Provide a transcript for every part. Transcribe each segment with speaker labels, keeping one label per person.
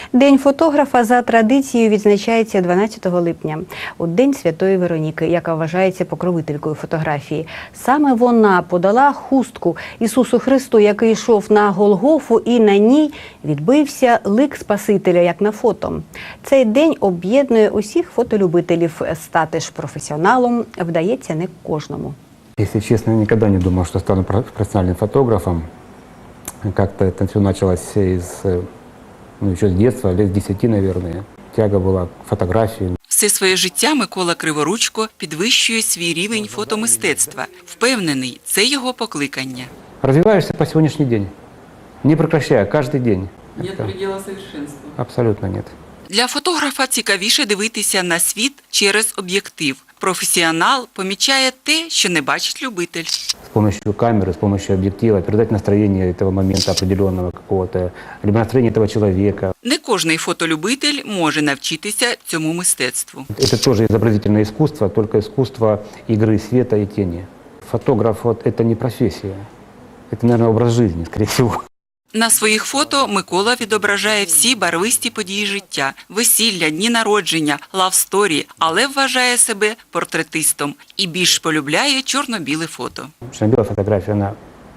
Speaker 1: День фотографа за традицією відзначається 12 липня, у День Святої Вероніки, яка вважається покровителькою фотографії. Саме вона подала хустку Ісусу Христу, який йшов на Голгофу, і на ній відбився лик Спасителя, як на фото. Цей день об'єднує усіх фотолюбителів. Стати ж професіоналом вдається не кожному.
Speaker 2: Если честно, я никогда не думал, что стану профессиональным фотографом. Как-то это все началось еще с детства, лет с 10, наверное. Тяга была к фотографии.
Speaker 3: Все своє життя Микола Криворучко підвищує свій рівень фотомистецтва. Впевнений, це його покликання.
Speaker 2: Развиваешься по сегодняшний день, не прекращая, каждый день.
Speaker 3: Нет предела совершенству.
Speaker 2: Абсолютно нет.
Speaker 3: Для фотографа цікавіше дивитися на світ через об'єктив. Професіонал помічає те, що не бачить любитель.
Speaker 2: С помощью камеры, с помощью объектива передать настроение этого момента определенного какого-то, либо настроение этого человека.
Speaker 3: Не кожний фотолюбитель може навчитися цьому мистецтву.
Speaker 2: Это тоже изобразительное искусство, только искусство игры света и тени. Фотограф это не профессия, это, наверное, образ жизни, скорее всего.
Speaker 3: На своїх фото Микола відображає всі барвисті події життя – весілля, дні народження, лавсторі, але вважає себе портретистом і більш полюбляє чорно-біле фото.
Speaker 2: Черно-белая фотография, она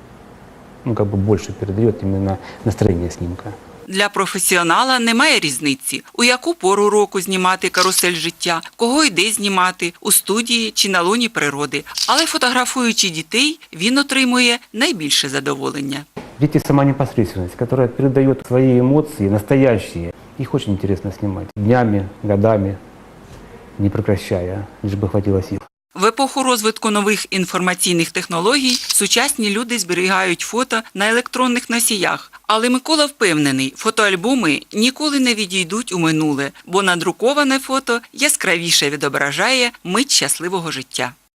Speaker 2: больше передает именно настроение снимка.
Speaker 3: Для професіонала немає різниці, у яку пору року знімати карусель життя, кого і де знімати, у студії чи на лоні природи. Але фотографуючи дітей, він отримує найбільше задоволення.
Speaker 2: Дети – сама непосредственность, которая передает свои эмоции, настоящие. Их очень интересно снимать. Днями, годами, не прекращая, лишь бы хватило сил.
Speaker 3: В епоху розвитку нових інформаційних технологій сучасні люди зберігають фото на електронних носіях. Але Микола впевнений, фотоальбоми ніколи не відійдуть у минуле, бо надруковане фото яскравіше відображає мить щасливого життя.